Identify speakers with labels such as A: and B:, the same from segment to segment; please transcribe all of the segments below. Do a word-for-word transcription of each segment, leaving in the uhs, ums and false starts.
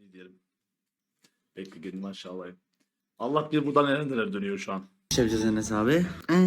A: Ne diyelim. Bekle gelin maşallah. Allah bilir buradan neler neler dönüyor şu an.
B: Yapacağız Enes abi. Ee,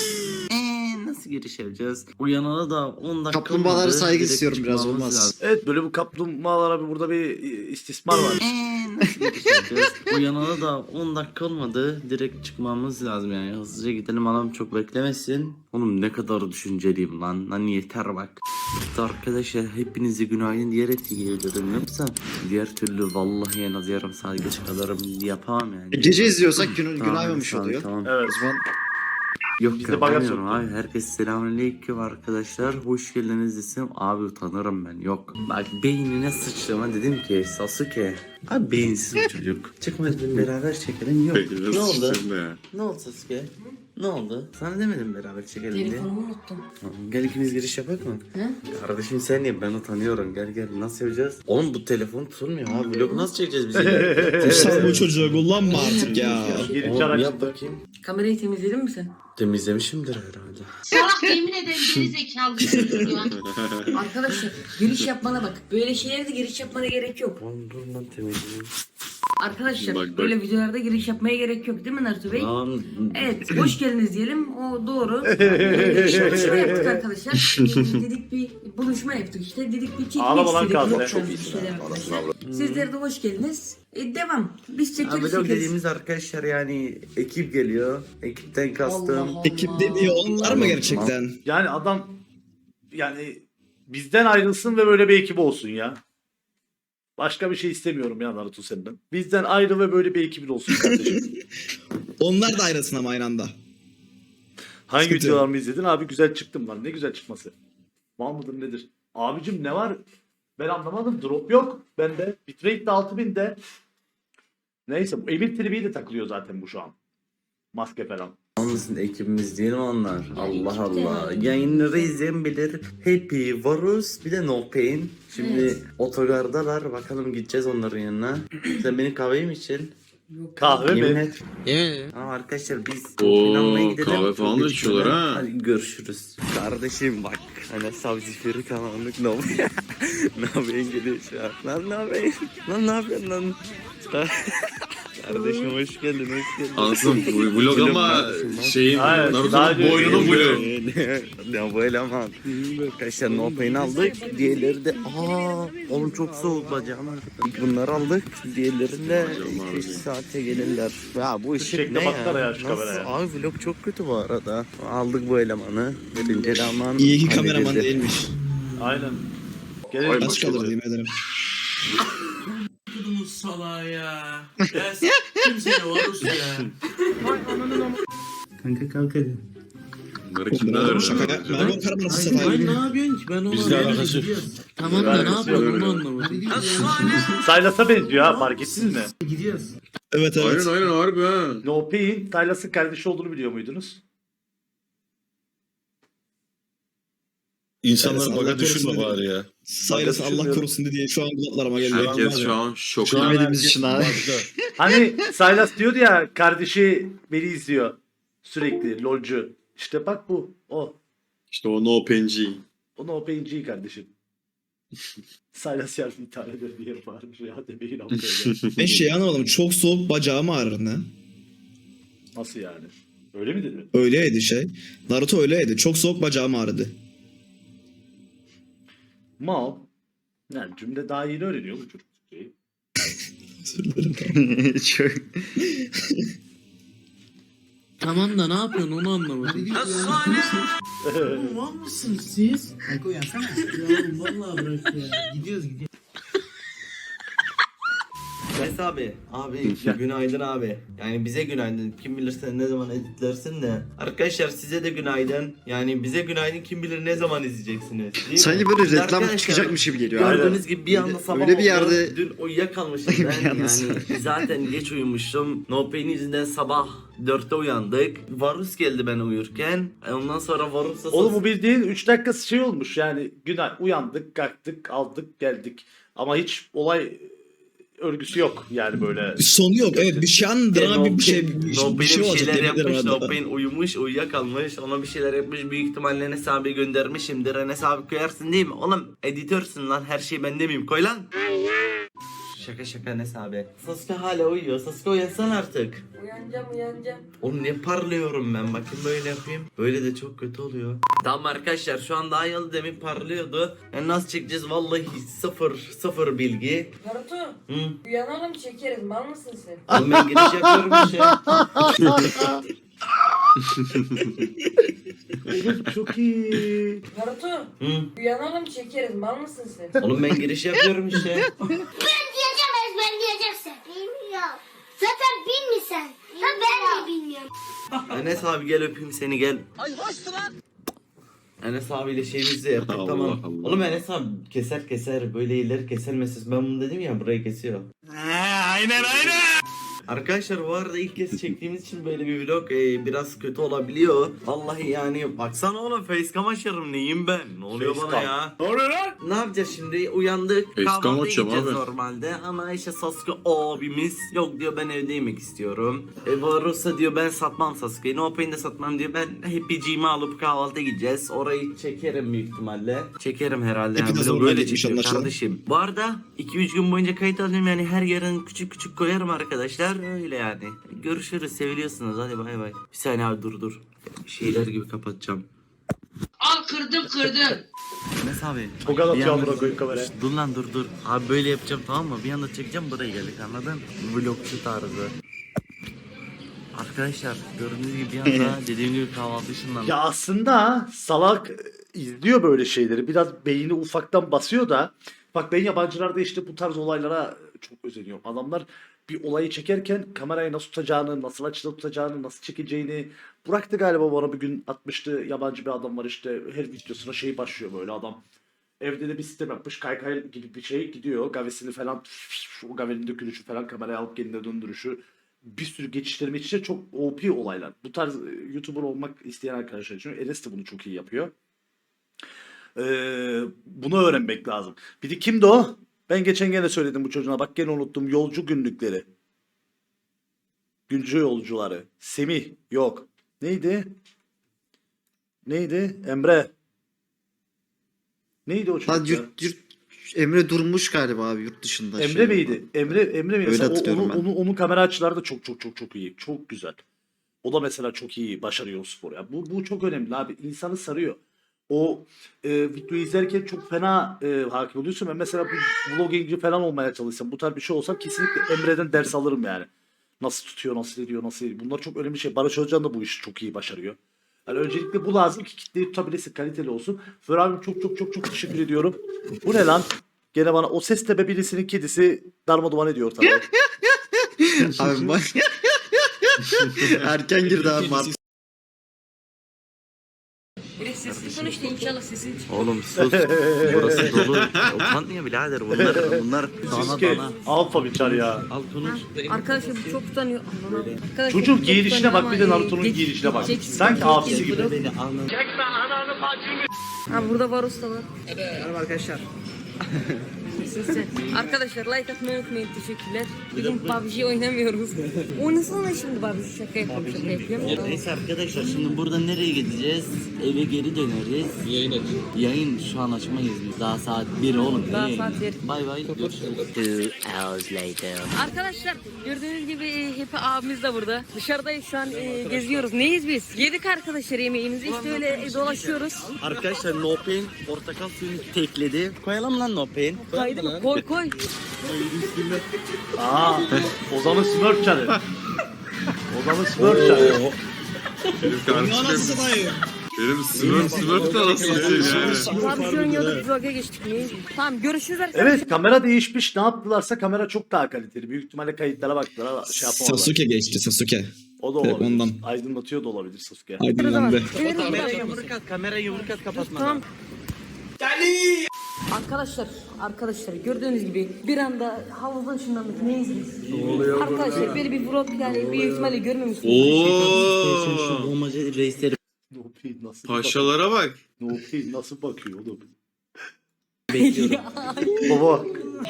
B: ee, nasıl giriş yapacağız? Uyanalı da on dakika
C: Kaplumbağalara
B: olmadı.
C: saygı
B: Direkt
C: istiyorum biraz,
B: çıkmamız
C: olmaz.
B: lazım.
A: Evet böyle bu kaplumbağalara bir burada bir istismar var.
B: Ee, nasıl giriş yapacağız? Uyanalı da on dakika olmadı. Direkt çıkmamız lazım yani. Hızlıca gidelim, adam çok beklemesin. Oğlum ne kadar düşünceliyim lan. Lan yeter bak. İşte arkadaşlar hepinize günaydın diyerek geliyorum. Yoksa diğer türlü vallahi en az yarım saat geç kalırım yapamam yani.
C: Gece izliyorsak gün,
B: Tamam,
C: günaymamış
B: tamam,
C: oluyor.
B: Tamam.
A: Evet.
C: O zaman
B: Yok
A: Bizde
B: yapamıyorum
A: bagaj
B: abi. Herkes selamünaleyküm arkadaşlar. Hoş geldiniz desem abi utanırım ben. Yok. Bak beynine sıçrama dedim ki Sasuke. Abi beyinsiz bu çocuk. Çıkmaz bir beraber çekelim. Yok. Ne oldu? Ne oldu Sasuke? Ne oldu? Sana demedim beraber çekelim diye.
D: Telefonumu unuttum.
B: Tamam, gel ikimiz giriş yapak mı?
D: He?
B: Kardeşim sen niye? Ben utanıyorum. Gel gel. Nasıl yapacağız? Oğlum bu telefon tutulmuyor abi. Vlog nasıl çekeceğiz biz yine?
C: Kutsal bu çocuğu kullanma artık ya.
A: Geri
B: Oğlum
A: çağır
B: yap
A: açtı.
B: bakayım.
D: Kamerayı temizledin mi sen?
B: Temizlemişimdir herhalde.
E: Salak yemin ederim geri zekalı bir çocuk ya.
D: Arkadaşlar giriş yapmana bak. Böyle şeylerde giriş yapmana gerek yok.
B: Oğlum dur lan temizleyeyim.
D: Arkadaşlar
F: Bak, bak.
D: böyle videolarda giriş yapmaya gerek yok değil mi Naruto Bey?
B: Lan
D: Evet, hoş geldiniz diyelim. O doğru. Ee, buluşma yaptık arkadaşlar. Ee, dedik bir buluşma yaptık işte. Dedik bir çekmek
A: Ağlama lan
D: istedik.
A: kaldı.
D: Çok
A: Çok
D: bir şeyler arkadaşlar. Sizlere de hoş geldiniz. Ee, devam. Biz çekeriz
B: Vlog
D: çekeriz.
B: dediğimiz arkadaşlar yani ekip geliyor. Ekipten kastım.
D: Allah Allah.
C: Ekip dediği onlar mı gerçekten?
A: Yani adam yani bizden ayrılsın ve böyle bir ekip olsun ya. Başka bir şey istemiyorum ya Naruto senden. Bizden ayrı ve böyle bir ekibin olsun kardeşim.
C: Onlar da ayrılsın ama aynı anda.
A: Hangi
C: Sıkıntı
A: videolarımı izledin? Abi güzel çıktım lan. Ne güzel çıkması. Mal mıdır nedir? Abicim ne var? Ben anlamadım. Drop yok. Bende. Bitrate de altı binde. Neyse bu Emir tribiyle takılıyor zaten bu şu an. Maske falan.
B: Olmasın ekibimiz değil mi onlar? Allah
D: ekip
B: Allah.
D: de-
B: Yayınları izleyen bilir. Happy, Varus bir de No Pain. Şimdi
D: Evet.
B: otogardalar. Bakalım gideceğiz onların yanına. Sen benim kahveyi mi için?
D: Yok.
A: Kahve
B: Yemin
A: mi?
B: et. Ama arkadaşlar biz
F: Oo,
B: planlamaya gidelim.
F: kahve falan da
B: Çok
F: içiyorlar
B: geçmeden.
F: ha.
B: Hadi görüşürüz. Kardeşim bak. Hani savcı feri kalanlık ne oluyor? Ne yapıyorsun geliyor şu an? Lan ne yapıyorsun? Lan ne yapıyorsun lan? Kardeşim hoş geldin, hoş geldin.
F: Anlasın bu vlog ama şeyin
A: Hayır, daha
F: Naruto'nun
A: önce-
F: boynunun vlogu.
B: Ne bu eleman. Arkadaşlar no pain aldık. Diğerleri de aa oğlum çok soğuk bacağım. Bunları aldık. Diğerleri de iki üç saate gelirler. Ya bu ışık
A: Şekle
B: ne
A: baksana
B: ya?
A: ya şu
B: Nasıl?
A: kameraya.
B: Abi vlog çok kötü bu arada. Aldık bu elemanı. Birinci eleman.
C: İyi ki kameraman
B: halledildi.
C: değilmiş.
A: Aynen. Gelelim.
C: Aç kalır diyeyim ederim.
G: Kudumuz salağa ya. Ya s*** kimseye varus ya.
B: Kanka kalk hadi.
F: Bunları kimden öğrendin?
C: Şaka yapma. Ben karamanı
G: Ay,
C: satayım.
G: ay ne yapıyorsun ki ben onu
F: Bizle
G: anlamadım.
F: alakası yok.
G: Tamam da ne
A: Alakası
G: yapıyorsun
A: yok.
G: onu anlamadım.
A: Silas'a benziyor ha fark ettiniz mi?
G: Gidiyoruz.
C: Evet evet.
F: Aynen aynen harbi ha.
A: No Pain, Silas'ın kardeşi olduğunu biliyor muydunuz?
C: İnsanlar
H: İnsanlar
C: baga
H: baga
C: düşürme
H: düşürme
C: bari
H: bari ya.
C: Saylas Allah
A: düşünmüyorum.
C: korusun diye şu an kulaklarıma geliyor.
F: Herkes şu an şokta.
C: Görmediğimiz için abi.
A: Hani Silas diyordu ya kardeşi beni izliyor sürekli lolcu. İşte bak bu o.
F: İşte o no penci.
A: O No Pain'ci kardeşim. Silas yer bir tane de bir yer var. Ya demeyin amca.
C: Ben şey anlamadım. Çok soğuk bacağım ağrır ne?
A: Nasıl yani? Öyle mi dedi?
C: Öyleydi şey. Naruto öyleydi. Çok soğuk bacağım ağrıdı.
A: Mal. Yani cümle daha yeni öğreniyor bu çocuk. Şeyi.
C: Çok.
G: Tamam da ne yapıyorsun onu anlamadım. Oğlum var mısınız siz? Kanka uyansana. Ya oğlum vallahi bırak ya. Gidiyoruz gidiyoruz.
B: Mes abi, abi günaydın abi. Yani bize günaydın. Kim bilir sen ne zaman editlersin de. Arkadaşlar size de günaydın. Yani bize günaydın, kim bilir ne zaman izleyeceksiniz. Değil mi?
C: Sanki böyle reklam
B: Arkadaşlar,
C: çıkacakmış gibi geliyor. abi.
B: Gördüğünüz gibi bir anda sabah
C: Öyle bir
B: oldu.
C: yerde-
B: Dün uyuyakalmışım
C: Bir
B: ben
C: anda
B: yani. Zaten geç uyumuştum. No Pain yüzünden sabah dörtte uyandık. Varus geldi ben uyurken. E Ondan sonra Varus'la...
A: Oğlum bu bildiğin üç dakikası şey olmuş yani. Günay uyandık, kalktık, aldık, geldik. Ama hiç olay örgüsü yok yani böyle.
C: Sonu yok. Evet bir şey andıran bir, bir şey bir,
B: No
C: bir şey
B: Pain'e bir
C: olacak.
B: şeyler
C: yemin ederim
B: yapmış. No
C: arada.
B: Pain uyumuş, uyuyakalmış. Ona bir şeyler yapmış. Büyük ihtimalle Enes abi göndermişimdir. Enes abi koyarsın değil mi? Oğlum editörsün lan. Her şey bende miyim? Koy lan. Şaka şaka Enes abi. Sasuke hala uyuyor. Sasuke uyansan artık.
D: Uyanacağım uyanacağım.
B: Oğlum ne parlıyorum ben, bakın böyle yapayım. Böyle de çok kötü oluyor. Tamam arkadaşlar, şu an daha yalı demin parlıyordu. Yani nasıl çekeceğiz vallahi sıfır sıfır bilgi.
D: Naruto
B: Hı.
D: uyanalım çekeriz mal mısın sen?
B: Oğlum ben giriş yapıyorum işte.
A: Oğlum çok iyi.
D: Naruto
B: Hı.
D: uyanalım çekeriz mal mısın sen?
B: Oğlum ben giriş yapıyorum işte.
H: Diyeceğim ezberleyeceksin. Bilmiyorum. Zaten bilmiyorsun. Ha ben de bilmiyorum.
B: Enes abi gel öpeyim seni, gel. Enes abiyle şeyimizi de yaptık
F: Allah
B: tamam.
F: Allah.
B: Oğlum Enes abi keser keser, böyle ileri keselmesiz. Ben bunu dedim ya, burayı kesiyor.
C: Aynen aynen.
B: Arkadaşlar bu arada ilk kez çektiğimiz için böyle bir vlog e, biraz kötü olabiliyor. Vallahi yani baksana oğlum, facecam açarım, neyim ben? Ne oluyor bana
A: Facecam.
B: ya?
C: Ne oluyor lan?
B: Ne yapacağız şimdi? Uyandık.
F: Facecam
B: Kahvaltıya
F: açacağım
B: gideceğiz
F: abi.
B: normalde. Ama işte Sasuke abimiz yok diyor, ben evde yemek istiyorum. E Varus'a diyor ben satmam Sasuke'yi. No Pain'i de satmam diyor. Ben Happy'ciğimi alıp kahvaltıya gideceğiz. Orayı çekerim büyük ihtimalle. Çekerim herhalde.
C: Happy de
B: Yani
C: zorla
B: böyle
C: geçmiş
B: çekiyor
C: anlaşılan.
B: kardeşim. Bu arada iki üç gün boyunca kayıt alıyorum, yani her yarın küçük küçük koyarım arkadaşlar. Öyle yani. Görüşürüz, seviliyorsunuz, hadi bay bay. Bir saniye abi, dur dur. Şeyler gibi kapatacağım.
E: Al kırdım kırdım.
B: Enes abi.
A: Çok anlatıyor
B: bir anda-
A: amına koyayım kameraya.
B: Şşt, Dur lan dur dur. Abi böyle yapacağım tamam mı? Bir anda çekeceğim, buraya geldik, anladın? Vlogçu tarzı. Arkadaşlar gördüğünüz gibi bir anda dediğim gibi kahvaltı ışınlandı.
A: Ya aslında salak e, izliyor böyle şeyleri. Biraz beyni ufaktan basıyor da. Bak ben yabancılarda işte bu tarz olaylara çok özeniyorum. Adamlar bir olayı çekerken kamerayı nasıl tutacağını, nasıl açıda tutacağını, nasıl çekeceğini. Burak da galiba bana bir gün atmıştı. Yabancı bir adam var işte, her videosuna şey başlıyor böyle adam. Evde de bir sistem yapmış. Kaykay gibi bir şey gidiyor. Gavesini falan, o gavenin dökülüşü falan, kameraya alıp kendine döndürüşü. Bir sürü geçiştirme için çok O P olaylar. Bu tarz e, YouTuber olmak isteyen arkadaşlar için Enes de bunu çok iyi yapıyor. Ee, bunu öğrenmek lazım. Bir de kimdi o? Ben geçen gene söyledim bu çocuğuna. Bak gene unuttum. Yolcu günlükleri. Güncü yolcuları. Semih. Yok. Neydi? Neydi? Emre. Neydi o çocuk?
I: Lan
A: ya?
I: yurt, yurt, Emre durmuş galiba abi yurt dışında.
A: Emre
I: şey
A: miydi? Emre Emre miydi?
I: Öyle
A: Mesela o-
I: hatırlıyorum
A: onun,
I: ben.
A: onun, onun kamera açıları da çok çok çok çok iyi. Çok güzel. O da mesela çok iyi başarıyor o spor ya. Bu bu çok önemli abi. İnsanı sarıyor. O e, videoyu izlerken çok fena e, hakim oluyorsun. Ben mesela bu vloggingci falan olmaya çalışsam, bu tarz bir şey olsam kesinlikle Emre'den ders alırım yani. Nasıl tutuyor, nasıl ediyor, nasıl ediyor. Bunlar çok önemli şey. Barış Özcan da bu işi çok iyi başarıyor. Yani öncelikle bu lazım ki kitleyi tutabilesin, kaliteli olsun. Fır abim çok çok çok çok teşekkür ediyorum. Bu ne lan? Gene bana o ses tepe birisinin kedisi darmaduman ediyor tabii.
I: Abi bak. Erken girdi abi. Mart.
D: Böyle sesli konuş da inşallah sesin çıkar.
B: Oğlum sus. Burası dolu. Utanmıyor birader, bunlar bunlar dana
A: Siske
B: dana.
A: alfa biçar ya.
B: Al konuş.
D: Arkadaşlar bu çok utanıyor. Arkadaşlar
A: Çocuğun
D: bu çok
A: giyinişine
D: utanıyor
A: bak, bir de
D: ama, e,
A: Naruto'nun
D: geç-
A: giyinişine bak.
D: geç-
A: Sanki
D: geç-
A: abisi
D: geç-
A: gibi.
B: Beni anla.
D: Ha burada Varus da var. Merhaba arkadaşlar. Arkadaşlar like atmayı unutmayın, teşekkürler. Bugün P U B G oynamıyoruz. Oynasana şimdi P U B G, şaka yapıyorum şaka yapıyorum.
B: Neyse arkadaşlar, şimdi burada nereye gideceğiz? Eve geri döneriz. Yayın aç. Yayın şu an açmayız biz. Daha saat bir oğlum.
D: Daha
B: Ne
D: saat
B: yayını?
D: bir.
B: Bay bay. Görüşürüz.
D: Arkadaşlar gördüğünüz gibi e, hep abimiz de burada. Dışarıdayız şu an, e, geziyoruz. Neyiz biz? Yedik arkadaşlar yemeğimizi, işte öyle e, dolaşıyoruz.
B: Arkadaşlar No Pain portakal suyunu tekledi. Koyalım lan No Pain.
D: Kaydı mı? Koy koy.
A: Aa, Ozan'ın Smurf çarı. Ozan'ın Smurf çarı.
F: Benim
C: Anasını
F: kardeşim.
C: satayım.
F: Benim Smurf Smurf da nasıl yani?
D: P U B G oynuyorduk, vloga geçtik. Neyiz? Tamam görüşürüz arkadaşlar.
A: Evet, kamera değişmiş. Ne yaptılarsa kamera çok daha kaliteli. Büyük ihtimalle kayıtlara baktılar. Şey yapamadılar.
C: Sasuke geçti Sasuke.
A: O da olabilir.
C: Ondan.
A: Aydınlatıyor da olabilir Sasuke.
C: Aydınlandı.
B: Kamera yumruk at, kamera yumruk at kapatmadan.
D: Tamam. Arkadaşlar, arkadaşlar gördüğünüz gibi bir anda havuzda ışınlandık. Neyiz biz? Arkadaşlar böyle bir vlog yani büyük ihtimalle görmemişsiniz.
F: Oo.
B: Bombacı reisleri
A: No Pain nasıl bakıyor?
F: Paşalara bak.
A: No Pain nasıl bakıyor oğlum?
B: bekliyorum.
A: Baba.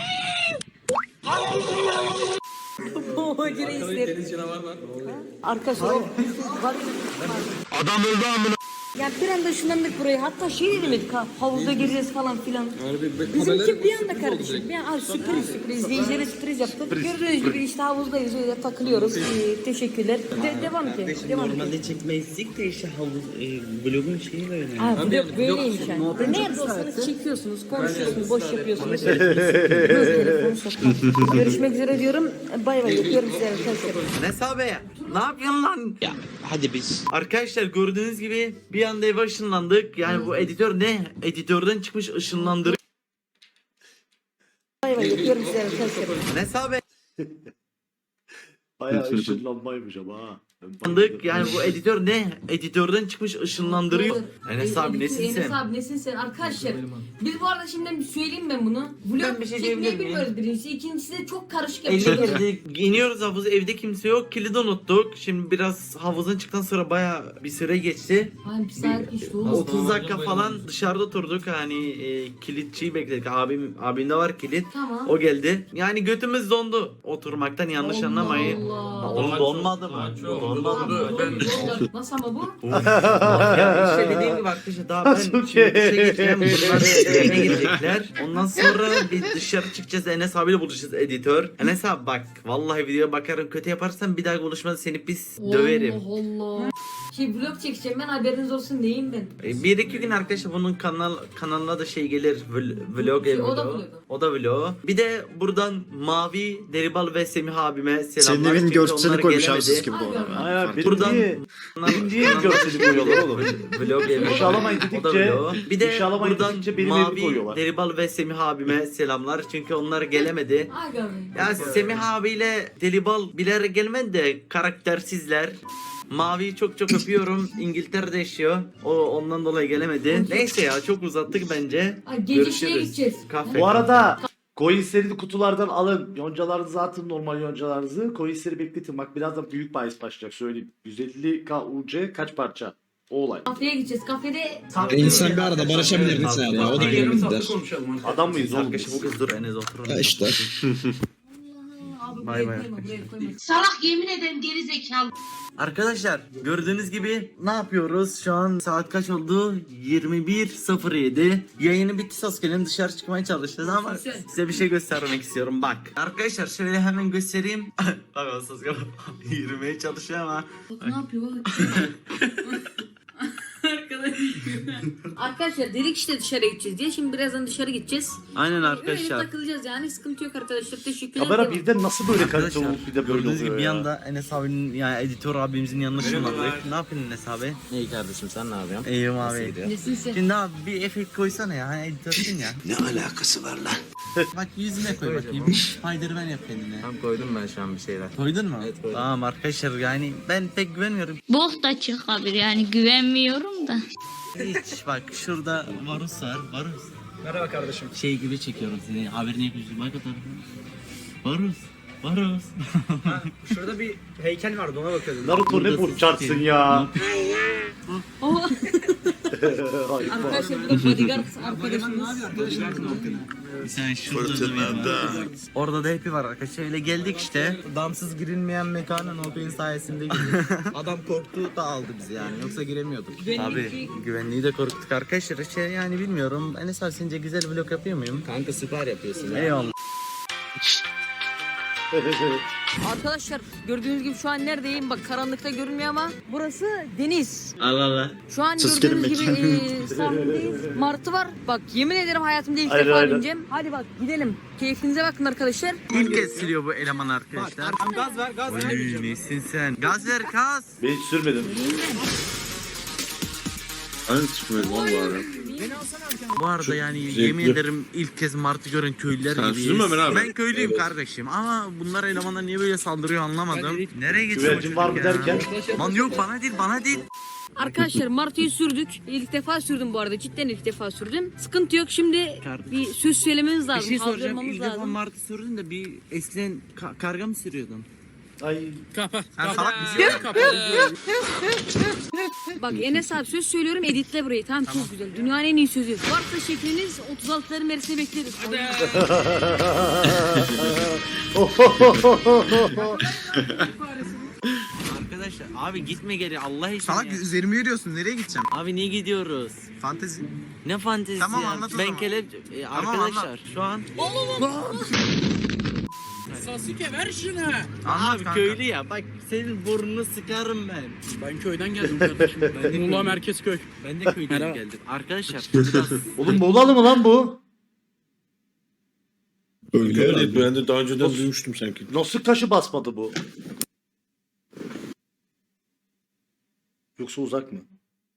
D: O reisler. Arkadaşlar o- bak-
B: Adam öldü amına.
D: Ya bir anda ışınlandık buraya. Hatta şey demedik ha. Havuzda gireceğiz falan filan. Bizimki bir anda kardeşim. Bir an abi sürpriz sürpriz. İzleyicilere sürpriz yaptık. Gördüğünüz gibi işte havuzdayız öyle takılıyoruz. Ee, teşekkürler. De- devam ki. Devam ki.
B: Normalde çekmezdik de işte havuz e, vlogun şeyi böyle.
D: Ha, vlog böyleymiş yani. Nerede olsanız çekiyorsunuz, konuşuyorsunuz, boş yapıyorsunuz. Telefonu sokma. Görüşmek üzere diyorum. Bay bay yapıyorum size arkadaşlar.
B: Enes abi ne yapıyorsun lan? Ya hadi biz. Arkadaşlar gördüğünüz gibi bir anda eve ışınlandık. Yani bu editör ne? Editörden çıkmış ışınlandırı.
D: Bay bay yapıyorum size arkadaşlar.
B: Enes abi.
A: Bayağı ışınlanmaymış ama ha.
B: Andık yani bu editör ne? Editörden çıkmış ışınlandırıyor. Enes abi nesin
D: Enes
B: sen?
D: abi nesin sen? Arkadaşlar biz bu arada şimdi bir söyleyeyim ben bunu. Vlog
B: Ben bir şey
D: çekmeyi
B: diyebilir miyim?
D: bilmiyoruz birincisi. İkincisi de çok karışık
B: elli
D: yapıyoruz.
B: girdik, iniyoruz havuza, evde kimse yok, kilidi unuttuk. Şimdi biraz havuzdan çıktıktan sonra baya bir süre geçti.
D: Hani bir saat geçti oğlum.
B: otuz dakika falan dışarıda oturduk, hani e, kilitçiyi bekledik. Abim abimde var kilit.
D: Tamam.
B: O geldi. Yani götümüz dondu oturmaktan, yanlış
D: Allah
B: anlamayın.
D: Allah.
B: Oğlum donmadı mı? Donmadı mı?
D: Ben... Nasıl ama bu?
B: Ya işte dediğim gibi arkadaşlar daha ben
A: Çok
B: şimdi
A: iyi.
B: işe geçeceğim. Bunlar evine gidecekler. Ondan sonra bir dışarı çıkacağız. Enes abiyle buluşacağız, editör. Enes abi bak vallahi videoya bakarım, kötü yaparsan bir daha konuşmada seni pis döverim.
D: Allah Allah. Şey vlog çekeceğim ben, haberiniz olsun diyeyim ben.
B: E, Bir iki gün arkadaşlar bunun kanal kanalına da şey gelir, vl- vlog
D: Şey,
B: ev
D: o da
B: vlogu.
D: vlogu.
B: O da vlog. Bir de buradan Mavi, Deribal ve Semih abime selamlar.
I: Senin evin
B: Çünkü
I: görselini
B: onlar
I: koymuş abi
B: gelemedi.
I: sis gibi bu arada.
A: Aynen
B: Buradan-
A: birinci, birinciye görseli koyuyorlar oğlum.
B: Vlog evi.
A: İnşalamayın
B: O da
A: dedikçe,
B: vlog. Bir de
A: İnşalamayın
B: buradan
A: dedikçe benim evimi
B: Mavi,
A: koyuyorlar.
B: Deribal ve Semih abime selamlar. Çünkü onlar gelemedi.
D: Aga be.
B: Ya Semih abiyle Deribal biler gelmedi de karaktersizler. Mavi'yi çok çok öpüyorum. İngiltere'de yaşıyor. O ondan dolayı gelemedi. Neyse ya çok uzattık bence.
D: Ay, gece şeye
B: Görüşürüz.
D: gideceğiz.
B: Kafe.
A: Bu arada coinsleri kutulardan alın. Yoncalarınızı atın, normal yoncalarınızı. Coinsleri bekletin. Bak birazdan büyük bahis başlayacak söyleyeyim. yüz elli K U C kaç parça? O olay.
D: Kafeye gideceğiz. Kafede
C: İnsan bir arada barışabilir mesela ya. O da görmez der.
A: Adam mıyız oğlum?
B: Arkadaşlar bu kız dur Enes otur.
C: Ya işte.
D: abi
B: Bay
D: buraya
B: bay.
D: koyma, buraya koyma.
E: Salak yemin ederim geri zekalı.
B: Arkadaşlar gördüğünüz gibi ne yapıyoruz? Şu an saat kaç oldu? yirmi bir sıfır yedi. Yayını bitti, sos gelin dışarı çıkmaya çalışacağız ama size bir şey göstermek istiyorum. Bak. Arkadaşlar şöyle hemen göstereyim. Bak o sos yürümeye çalışıyor ama.
D: Ne yapıyor bak. Arkadaşlar dedik işte dışarı gideceğiz diye. Şimdi birazdan dışarı gideceğiz.
B: Aynen
D: Öyle
B: arkadaşlar.
D: takılacağız yani. Sıkıntı yok arkadaşlar. Teşekkürler.
A: Kamera
D: Devam.
A: birden nasıl böyle kalite
B: Arkadaşlar
A: olup bir de böyle
B: gördüğünüz gibi
A: oluyor
B: bir
A: ya.
B: anda Enes abinin yani editör abimizin yanına şunlandık. Ne yapıyorsun Enes abi?
I: İyi kardeşim sen ne yapıyorsun?
B: İyiyim abi.
D: Nesin sen?
B: Şimdi abi bir efekt koysana ya. Hani editörsün ya.
I: Ne alakası var lan?
B: Bak yüzüne koy bakayım. Spiderman yap kendine.
I: Tam koydum ben şu an bir şeyler.
B: Koydun mu?
I: Evet, koydum.
B: Tamam arkadaşlar yani ben pek güvenmiyorum.
H: Bok da çıkabilir yani güvenmiyorum da.
B: Hiç bak şurada Varus var. Varus.
I: Merhaba kardeşim.
B: Şey gibi çekiyorum seni. Haberini yapıyorsun. Bak o tarafa. Varus. Varus.
I: Şurada bir heykel vardı ona bakıyordum.
A: Naruto ne burçarsın ya.
D: Oha.
A: Ay, bak.
D: Arkadaşlar bu da bodyguard arkadaşımız.
B: Sen şurada da bir var. Orada da hepi var arkadaşlar. Öyle geldik işte.
I: Damsız girilmeyen mekana Nobel'in sayesinde girdik. Adam korktu da aldı bizi yani yoksa giremiyorduk.
B: Abi güvenliği de korkuttuk arkadaşlar. Şey yani bilmiyorum. Enes abi sence güzel vlog yapıyor muyum?
I: Kanka süper yapıyorsun ya.
B: Eyvallah.
D: Arkadaşlar gördüğünüz gibi şu an neredeyim? Bak karanlıkta görünmüyor ama burası deniz.
B: Allah Allah.
D: Şu an
C: Sus
D: gördüğünüz
C: gelmek.
D: gibi e, sahildeyiz. Martı var. Bak yemin ederim hayatımda ilk
A: Aynen,
D: defa
A: aynen.
D: bineceğim. Hadi bak gidelim. Keyfinize bakın arkadaşlar.
B: İlk kez siliyor bu eleman arkadaşlar.
I: Gaz ver gaz ver.
B: Oy, nesin sen? Gaz ver gaz.
A: Ben hiç sürmedim.
F: Aynı çıkmayız lan bu ara.
B: Bu arada
F: Çok
B: yani
F: zevkli.
B: yemin ederim ilk kez martı gören köylüler
F: Sen
B: gibiyiz.
F: sürme ben abi.
B: Ben köylüyüm
F: Evet.
B: kardeşim ama bunlar elemanlar niye böyle saldırıyor anlamadım. Nereye geçiyor bu
A: Güvercin var mı
B: çocuk ya?
A: derken?
B: Lan yok bana değil bana değil.
D: Arkadaşlar Martı'yı sürdük. İlk defa sürdüm bu arada. Cidden ilk defa sürdüm. Sıkıntı yok. Şimdi
B: Kardeşim.
D: bir söz söylememiz
B: Bir
D: lazım.
B: şey soracağım.
D: Hazırlamamız
B: İlk defa
D: lazım.
B: martı sürdün de bir eskiden ka- karga mı sürüyordun?
A: Ay.
B: Sen salak mısın?
D: Bak Enes abi söz söylüyorum, editle burayı. Tamam, çok güzel. Dünyanın en iyi sözü. Varsa şekliniz otuz altıların merisine bekleriz.
B: Arkadaşlar Abi gitme geri Allah için
I: Salak
B: ya.
I: üzerime yürüyorsun. Nereye gideceğim?
B: Abi niye gidiyoruz?
I: Fantezi.
B: Ne fantezisi
I: Tamam,
B: ya?
I: anlat o
B: Ben
I: zaman.
B: kelep... E,
I: Tamam,
B: arkadaşlar
I: anlat.
B: şu an...
G: Sasuke ver şunu.
I: Anlat
B: Abi
I: kanka.
B: köylü ya bak senin burnunu sıkarım ben.
G: Ben köyden geldim kardeşim. Muğla Merkez Köy.
B: Ben de köyden
G: Merhaba.
B: geldim. Arkadaşlar biraz...
A: Oğlum Muğla'lı mı lan bu?
C: Öyle
F: Öyle
C: herhalde.
F: ben de daha önceden duymuştum sanki.
A: Nasıl taşı basmadı bu? Yoksa uzak mı?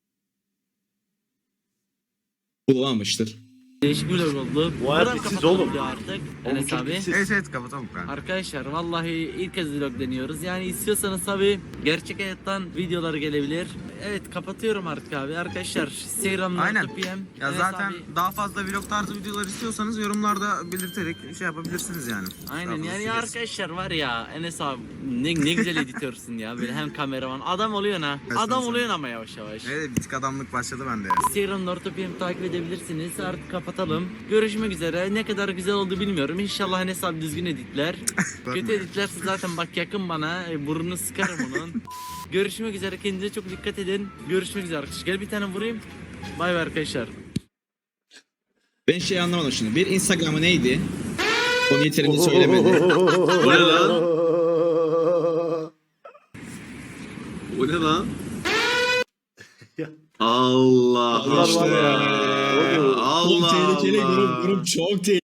C: Bulamamıştır.
B: Değişik bir vlog oldu.
A: Bu hayat
B: Buradan
A: bitsiz
B: kapatalım
A: oğlum.
B: diyor artık.
A: Oğlum
B: Enes
A: çok
B: abi.
A: bitsiz.
I: Evet evet kapatalım kanka.
B: Arkadaşlar vallahi ilk kez vlog deniyoruz. Yani istiyorsanız tabi gerçek hayattan videolar gelebilir. Evet kapatıyorum artık abi. Arkadaşlar Instagram'da
I: Aynen.
B: P M.
I: Ya
B: Enes
I: zaten
B: abi-
I: daha fazla vlog tarzı videolar istiyorsanız yorumlarda belirterek şey yapabilirsiniz yani.
B: Aynen
I: Daha
B: yani
I: fazla
B: arkadaşlar var ya Enes abi ne, ne güzel editörsün ya böyle hem kameraman adam oluyorsun ha
I: Evet,
B: adam
I: sen-
B: oluyorsun ama yavaş yavaş.
I: Evet bir tık adamlık başladı bende ya.
B: Instagram'da Orta P M takip edebilirsiniz artık kapatalım. Görüşmek üzere ne kadar güzel oldu bilmiyorum İnşallah Enes abi düzgün editler. Kötü editlerse zaten bak yakın bana e, burnunu sıkarım onun. Görüşmek üzere kendinize çok dikkat edin. Görüşmek üzere arkadaşlar gel bir tane vurayım. Bay bay arkadaşlar.
C: Ben şey anlamadım şimdi. Bir Instagram'ı neydi? Onu yeterince söylemedi.
F: O ne lan? O ne lan?
A: Ya.
F: Allah
A: Allah var ya.
F: Allah.
C: Çok tehlikeli
F: Allah.
C: grup, grup çok tehlikeli.